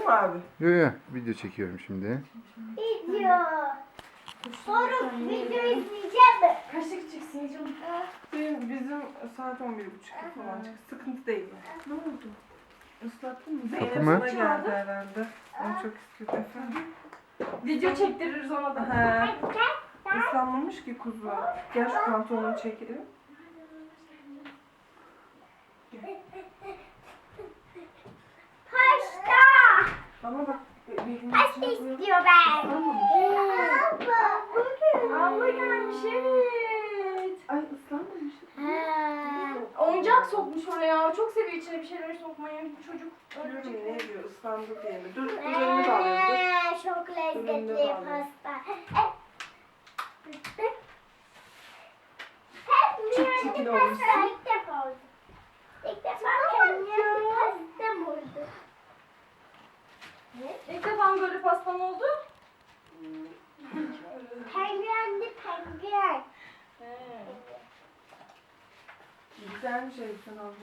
mı abi? Yo yo, video çekiyorum şimdi. Video. Sonra video izleyeceğim mi? Kaçta gideceksiniz canım? Bizim saat 11.30 falan çıkıyor. Sıkıntı değil yani. Ne oldu? Islattın mı? Kapı Zeynep mı? sana geldi herhalde. Onu çok istiyordu efendim. Video çektiririz ona da. He. Islanmamış ki kuzu. Gel şu pantolonu çekelim. Pasta. Ama bak belini Pasta içine koyalım. istiyor ben. Abla gelmiş evet. Ay ıslanmamış. Oyuncak sokmuş oraya. Çok seviyor içine bir şeyler sokmayı. Çocuk. Diyorum ne diyor ıslandı diye mi? Dur üzerine de alayım. Çok lezzetli pasta. Çok çirkin olmuşsun. İlk defa oldu. İlk defa kendime pastam oldu. İlk defa mı böyle pastan oldu? Penguenli penguen. Güzelmiş Elif'ten abla.